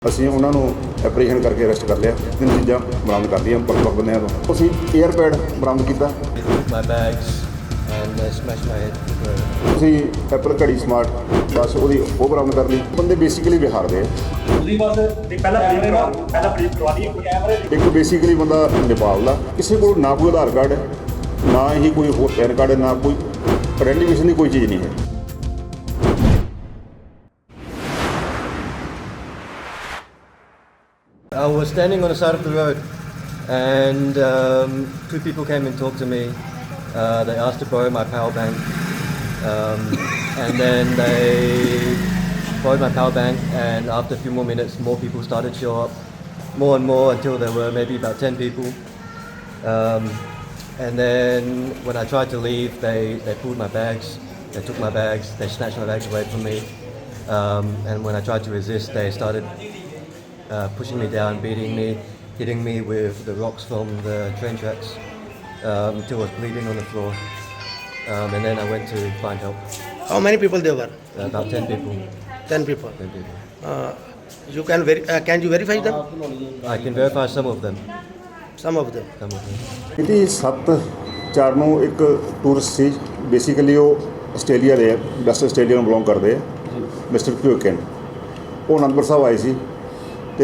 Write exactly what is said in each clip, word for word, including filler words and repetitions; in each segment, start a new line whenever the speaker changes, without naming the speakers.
ਅਸੀਂ ਉਹਨਾਂ ਨੂੰ ਐਪਰੀਹੈਂਡ ਕਰਕੇ ਅਰੈਸਟ ਕਰ ਲਿਆ। ਤਿੰਨ ਚੀਜ਼ਾਂ ਬਰਾਮਦ ਕਰ ਲਈਆਂ ਵੱਖ-ਵੱਖ ਬੰਦਿਆਂ ਤੋਂ। ਅਸੀਂ ਏਅਰਪੈਡ ਬਰਾਮਦ ਕੀਤਾ।
My bags and uh, smashed my head.
ਅਸੀਂ ਐਪਲ ਘੜੀ ਸਮਾਰਟ ਬਸ ਉਹਦੀ ਉਹ ਬਰਾਮਦ ਕਰ ਲਈ। ਬੰਦੇ ਬੇਸਿਕਲੀ ਬਿਹਾਰ ਦੇ ਆ।
ਉਹਦੀ ਬਸ ਪਹਿਲਾਂ ਪਹਿਲਾਂ ਪ੍ਰੀਤ ਕਰਵਾ ਲਈ ਕੈਮਰੇ
ਇੱਕ ਬੇਸਿਕਲੀ ਬੰਦਾ ਨੇਪਾਲ ਦਾ, ਕਿਸੇ ਕੋਲ ਨਾ ਕੋਈ ਆਧਾਰ ਕਾਰਡ ਹੈ, ਨਾ ਹੀ ਕੋਈ ਹੋਰ ਪੈਨ ਕਾਰਡ ਹੈ, ਨਾ ਕੋਈ ਆਇਡੈਂਟੀਫਿਕੇਸ਼ਨ ਦੀ ਕੋਈ ਚੀਜ਼ ਨਹੀਂ ਹੈ।
I was standing on the side of the road and um, two people came and talked to me. Uh, they asked to borrow my power bank um, and then they borrowed my power bank, and after a few more minutes more people started to show up, more and more until there were maybe about ten people. Um, and then when I tried to leave they, they pulled my bags, they took my bags, they snatched my bags away from me, um, and when I tried to resist they started Uh, pushing me down, beating me, hitting me with the rocks from the train tracks um, until I was bleeding on the floor. Um, and then I went to find help.
How many people there were?
Uh, about ten people.
Ten people.
ten people.
Uh, you can veri- uh, can you verify them?
I can verify some of them.
Some of them.
Some of them.
ਇਹਦੀ ਸੱਤ ਚਾਰ ਨੂੰ ਇੱਕ tourist ਸੀ, basically ਉਹ Australia ਦੇ ਆ, West Australia ਨੂੰ ਬਿਲੋਂਗ ਕਰਦੇ ਆ, ਮਿਸਟਰ ਕਿਊਕਨ। ਉਹ ਅਨੰਦਪੁਰ ਸਾਹਿਬ ਆਏ ਸੀ ਅਤੇ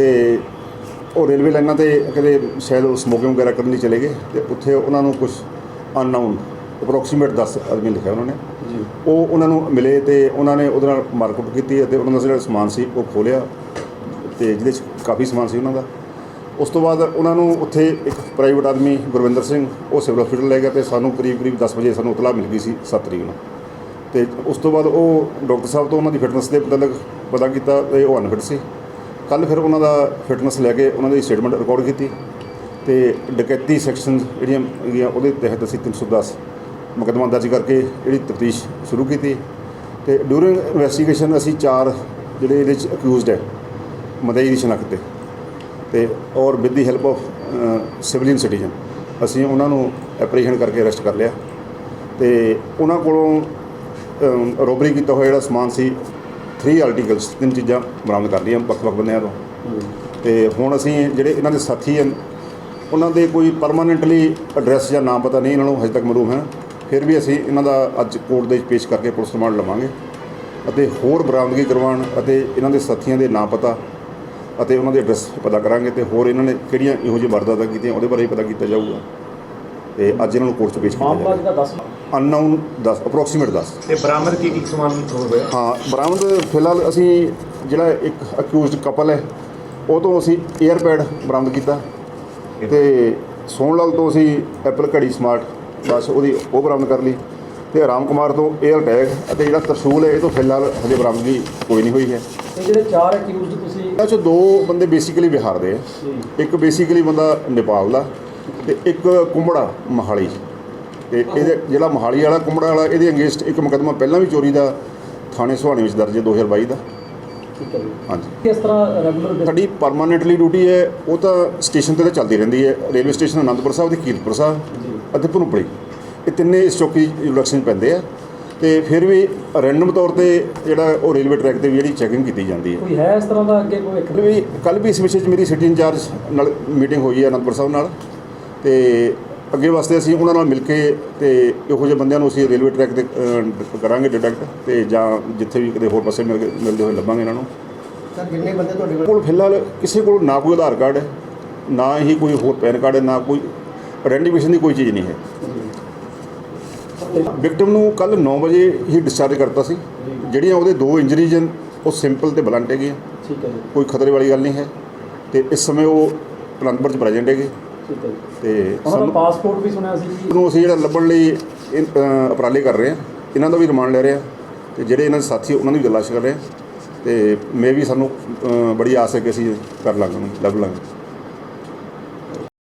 ਉਹ ਰੇਲਵੇ ਲਾਈਨਾਂ 'ਤੇ ਕਿਤੇ ਸ਼ਾਇਦ ਉਹ ਸਮੋਕਿੰਗ ਵਗੈਰਾ ਕਰਨ ਲਈ ਚਲੇ ਗਏ, ਅਤੇ ਉੱਥੇ ਉਹਨਾਂ ਨੂੰ ਕੁਛ ਅਨਨਾਊਨ ਅਪਰੋਕਸੀਮੇਟ ਦਸ ਆਦਮੀ ਲਿਖਿਆ ਉਹਨਾਂ ਨੇ, ਉਹ ਉਹਨਾਂ ਨੂੰ ਮਿਲੇ ਅਤੇ ਉਹਨਾਂ ਨੇ ਉਹਦੇ ਨਾਲ ਮਾਰਕੁੱਟ ਕੀਤੀ ਅਤੇ ਉਹਨਾਂ ਦਾ ਜਿਹੜਾ ਸਮਾਨ ਸੀ ਉਹ ਖੋਲ੍ਹਿਆ, ਅਤੇ ਜਿਹਦੇ 'ਚ ਕਾਫੀ ਸਮਾਨ ਸੀ ਉਹਨਾਂ ਦਾ। ਉਸ ਤੋਂ ਬਾਅਦ ਉਹਨਾਂ ਨੂੰ ਉੱਥੇ ਇੱਕ ਪ੍ਰਾਈਵੇਟ ਆਦਮੀ ਗੁਰਵਿੰਦਰ ਸਿੰਘ ਉਹ ਸਿਵਲ ਹਸਪੀਟਲ ਲੈ ਗਿਆ, ਅਤੇ ਸਾਨੂੰ ਕਰੀਬ ਕਰੀਬ ਦਸ ਵਜੇ ਸਾਨੂੰ ਇਤਲਾਹ ਮਿਲ ਗਈ ਸੀ ਸੱਤ ਤਰੀਕ ਨੂੰ। ਅਤੇ ਉਸ ਤੋਂ ਬਾਅਦ ਉਹ ਡਾਕਟਰ ਸਾਹਿਬ ਤੋਂ ਉਹਨਾਂ ਦੀ ਫਿਟਨੈਸ ਦੇ ਮੁਤਲਕ ਪਤਾ ਕੀਤਾ ਅਤੇ ਉਹ ਅਨਫਿਟ ਸੀ। ਕੱਲ੍ਹ ਫਿਰ ਉਹਨਾਂ ਦਾ ਫਿਟਨੈਸ ਲੈ ਕੇ ਉਹਨਾਂ ਦੀ ਸਟੇਟਮੈਂਟ ਰਿਕਾਰਡ ਕੀਤੀ, ਅਤੇ ਡਕੈਤੀ ਸੈਕਸ਼ਨ ਜਿਹੜੀਆਂ ਹੈਗੀਆਂ ਉਹਦੇ ਤਹਿਤ ਅਸੀਂ ਤਿੰਨ ਸੌ ਦਸ ਮੁਕੱਦਮਾ ਦਰਜ ਕਰਕੇ ਜਿਹੜੀ ਤਫਤੀਸ਼ ਸ਼ੁਰੂ ਕੀਤੀ। ਅਤੇ ਡਿਊਰਿੰਗ ਇਨਵੈਸਟੀਗੇਸ਼ਨ ਅਸੀਂ ਚਾਰ ਜਿਹੜੇ ਇਹਦੇ 'ਚ ਅਕਿਊਜ਼ਡ ਹੈ ਮਦਈ ਦੀ ਸ਼ਨਾਖਤ 'ਤੇ ਅਤੇ ਔਰ with the help of civilian citizen ਅਸੀਂ ਉਹਨਾਂ ਨੂੰ ਐਪਰੀਹੈਂਡ ਕਰਕੇ ਅਰੈਸਟ ਕਰ ਲਿਆ। ਅਤੇ ਉਹਨਾਂ ਕੋਲੋਂ ਰੋਬਰੀ ਕੀਤਾ ਹੋਇਆ ਜਿਹੜਾ ਸਮਾਨ ਸੀ, ਥਰੀ ਆਰਟੀਕਲਸ, ਤਿੰਨ ਚੀਜ਼ਾਂ ਬਰਾਮਦ ਕਰ ਲਈਆਂ ਵੱਖ ਵੱਖ ਬੰਦਿਆਂ ਤੋਂ। ਅਤੇ ਹੁਣ ਅਸੀਂ ਜਿਹੜੇ ਇਹਨਾਂ ਦੇ ਸਾਥੀ ਹਨ ਉਹਨਾਂ ਦੇ ਕੋਈ ਪਰਮਾਨੈਂਟਲੀ ਐਡਰੈਸ ਜਾਂ ਨਾਮ ਪਤਾ ਨਹੀਂ ਇਹਨਾਂ ਨੂੰ ਹਜੇ ਤੱਕ ਮਾਲੂਮ ਹੈ, ਫਿਰ ਵੀ ਅਸੀਂ ਇਹਨਾਂ ਦਾ ਅੱਜ ਕੋਰਟ ਦੇ ਵਿੱਚ ਪੇਸ਼ ਕਰਕੇ ਪੁਲਿਸ ਰਿਮਾਂਡ ਲਵਾਂਗੇ ਅਤੇ ਹੋਰ ਬਰਾਮਦਗੀ ਕਰਵਾਉਣ ਅਤੇ ਇਹਨਾਂ ਦੇ ਸਾਥੀਆਂ ਦੇ ਨਾਮ ਪਤਾ ਅਤੇ ਉਹਨਾਂ ਦੇ ਐਡਰੈਸ ਪਤਾ ਕਰਾਂਗੇ, ਅਤੇ ਹੋਰ ਇਹਨਾਂ ਨੇ ਕਿਹੜੀਆਂ ਇਹੋ ਜਿਹੀ ਵਾਰਦਾਤਾਂ ਕੀਤੀਆਂ ਉਹਦੇ ਬਾਰੇ ਵੀ ਪਤਾ ਕੀਤਾ ਜਾਊਗਾ। ਅਤੇ ਅੱਜ ਇਹਨਾਂ ਨੂੰ ਕੋਰਟ 'ਚ ਪੇਸ਼ ਕੀਤਾ ਜਾਊਗਾ। ਅਨਨਾਊਨ ਦਸ ਅਪਰੋਕਸੀਮੇਟ ਦਸ।
ਤੇ ਬਰਾਮਦ ਕੀ ਕੀ ਸਮਾਨ ਹੋਇਆ?
ਹਾਂ, ਬਰਾਮਦ ਫਿਲਹਾਲ ਅਸੀਂ ਜਿਹੜਾ ਇੱਕ ਅਕਿਊਜ਼ਡ ਕਪਲ ਹੈ ਉਹ ਤੋਂ ਅਸੀਂ ਏਅਰਪੈਡ ਬਰਾਮਦ ਕੀਤਾ, ਅਤੇ ਸੋਹਣ ਲਾਲ ਤੋਂ ਅਸੀਂ ਐਪਲ ਘੜੀ ਸਮਾਰਟ ਬਸ ਉਹਦੀ ਉਹ ਬਰਾਮਦ ਕਰ ਲਈ, ਅਤੇ ਰਾਮ ਕੁਮਾਰ ਤੋਂ ਏਅਰ ਟੈਗ ਅਤੇ ਜਿਹੜਾ ਤਰਸ਼ੂਲ ਹੈ ਇਹ ਤੋਂ ਫਿਲਹਾਲ ਹਜੇ ਬਰਾਮਦਗੀ ਕੋਈ ਨਹੀਂ ਹੋਈ ਹੈ।
ਇਹ ਜਿਹੜੇ ਚਾਰ ਅਕਿਊਜ਼ਡ ਤੁਸੀਂ
ਇਹਨਾਂ 'ਚੋਂ ਦੋ ਬੰਦੇ ਬੇਸਿਕਲੀ ਬਿਹਾਰ ਦੇ ਆ, ਇੱਕ ਬੇਸਿਕਲੀ ਬੰਦਾ ਨੇਪਾਲ ਦਾ, ਅਤੇ ਇੱਕ ਕੁੰਬੜਾ ਮੋਹਾਲੀ। ਅਤੇ ਇਹਦੇ ਜਿਹੜਾ ਮੋਹਾਲੀ ਵਾਲਾ ਕੁੰਬੜਾ ਵਾਲਾ ਇਹਦੇ ਅਗੇਂਸਟ ਇੱਕ ਮੁਕੱਦਮਾ ਪਹਿਲਾਂ ਵੀ ਚੋਰੀ ਦਾ ਥਾਣੇ ਸੁਹਾਣੇ ਵਿੱਚ ਦਰਜ ਹੈ ਦੋ ਹਜ਼ਾਰ ਬਾਈ ਦਾ।
ਠੀਕ ਹੈ ਜੀ।
ਹਾਂਜੀ,
ਕਿਸ ਤਰ੍ਹਾਂ ਰੈਗੂਲਰ
ਸਾਡੀ ਪਰਮਾਨੈਂਟਲੀ ਡਿਊਟੀ ਹੈ ਉਹ ਤਾਂ ਸਟੇਸ਼ਨ 'ਤੇ ਤਾਂ ਚੱਲਦੀ ਰਹਿੰਦੀ ਹੈ। ਰੇਲਵੇ ਸਟੇਸ਼ਨ ਅਨੰਦਪੁਰ ਸਾਹਿਬ ਅਤੇ ਕੀਰਤਪੁਰ ਸਾਹਿਬ ਅਤੇ ਭਨੂਪਲੀ, ਇਹ ਤਿੰਨੇ ਇਸ ਚੌਕੀ ਜੁਲੈਕਸ਼ਨ 'ਚ ਪੈਂਦੇ ਆ, ਅਤੇ ਫਿਰ ਵੀ ਰੈਂਡਮ ਤੌਰ 'ਤੇ ਜਿਹੜਾ ਉਹ ਰੇਲਵੇ ਟਰੈਕ 'ਤੇ ਵੀ ਜਿਹੜੀ ਚੈਕਿੰਗ ਕੀਤੀ ਜਾਂਦੀ ਹੈ।
ਕੋਈ ਹੈ ਇਸ ਤਰ੍ਹਾਂ ਦਾ ਅੱਗੇ ਕੋਈ ਇੱਕ
ਕੱਲ੍ਹ ਵੀ ਕੱਲ੍ਹ ਵੀ ਇਸ ਵਿਸ਼ੇ 'ਚ ਮੇਰੀ ਸਿਟੀ ਇੰਚਾਰਜ ਨਾਲ ਮੀਟਿੰਗ ਹੋਈ ਹੈ ਅਨੰਦਪੁਰ ਸਾਹਿਬ ਨਾਲ, ਅਤੇ ਅੱਗੇ ਵਾਸਤੇ ਅਸੀਂ ਉਹਨਾਂ ਨਾਲ ਮਿਲ ਕੇ ਅਤੇ ਇਹੋ ਜਿਹੇ ਬੰਦਿਆਂ ਨੂੰ ਅਸੀਂ ਰੇਲਵੇ ਟਰੈਕ 'ਤੇ ਕਰਾਂਗੇ ਡਿਟੈਕਟ, ਅਤੇ ਜਾਂ ਜਿੱਥੇ ਵੀ ਕਿਤੇ ਹੋਰ ਪਾਸੇ ਮਿਲ ਕੇ ਮਿਲਦੇ ਹੋਏ ਲੱਭਾਂਗੇ ਇਹਨਾਂ ਨੂੰ।
Sir, ਕਿੰਨੇ ਬੰਦੇ ਤੁਹਾਡੇ
ਕੋਲ ਫਿਲਹਾਲ ਕਿਸੇ ਕੋਲ ਨਾ ਕੋਈ ਆਧਾਰ ਕਾਰਡ ਹੈ, ਨਾ ਹੀ ਕੋਈ ਹੋਰ ਪੈਨ ਕਾਰਡ ਹੈ, ਨਾ ਕੋਈ ਆਇਡੈਂਟੀਫਿਕੇਸ਼ਨ ਦੀ ਕੋਈ ਚੀਜ਼ ਨਹੀਂ ਹੈ। ਵਿਕਟਮ ਨੂੰ ਕੱਲ੍ਹ ਨੌ ਵਜੇ ਹੀ ਡਿਸਚਾਰਜ ਕਰਤਾ ਸੀ। ਜਿਹੜੀਆਂ ਉਹਦੇ ਦੋ ਇੰਜਰੀਜ਼ ਹਨ ਉਹ ਸਿੰਪਲ ਅਤੇ ਬਲੰਟ ਹੈਗੀਆਂ,
ਠੀਕ ਹੈ ਜੀ।
ਕੋਈ ਖਤਰੇ ਵਾਲੀ ਗੱਲ ਨਹੀਂ ਹੈ, ਅਤੇ ਇਸ ਸਮੇਂ ਉਹ ਅਨੰਦਪੁਰ 'ਚ ਪ੍ਰੈਜੈਂਟ ਹੈਗੇ।
ਠੀਕ ਹੈ ਜੀ।
ਅਤੇ
ਉਹਨਾਂ ਦਾ ਪਾਸਪੋਰਟ ਵੀ ਸੁਣਿਆ ਸੀ ਜੀ।
ਨੂੰ ਅਸੀਂ ਜਿਹੜਾ ਲੱਭਣ ਲਈ ਇਹ, ਅ, ਉਪਰਾਲੇ ਕਰ ਰਹੇ ਹਾਂ, ਇਹਨਾਂ ਦਾ ਵੀ ਰਿਮਾਂਡ ਲੈ ਰਹੇ ਹਾਂ, ਅਤੇ ਜਿਹੜੇ ਇਹਨਾਂ ਦੇ ਸਾਥੀ ਉਹਨਾਂ ਦੀ ਵੀ ਤਲਾਸ਼ ਕਰ ਰਹੇ ਹਾਂ, ਅਤੇ ਮੈਂ ਵੀ ਸਾਨੂੰ ਅ, ਬੜੀ ਆਸ ਹੈ ਕਿ ਅਸੀਂ ਕਰ ਲਾਂਗੇ, ਉਹਨੂੰ ਲੱਭ ਲਾਂਗੇ।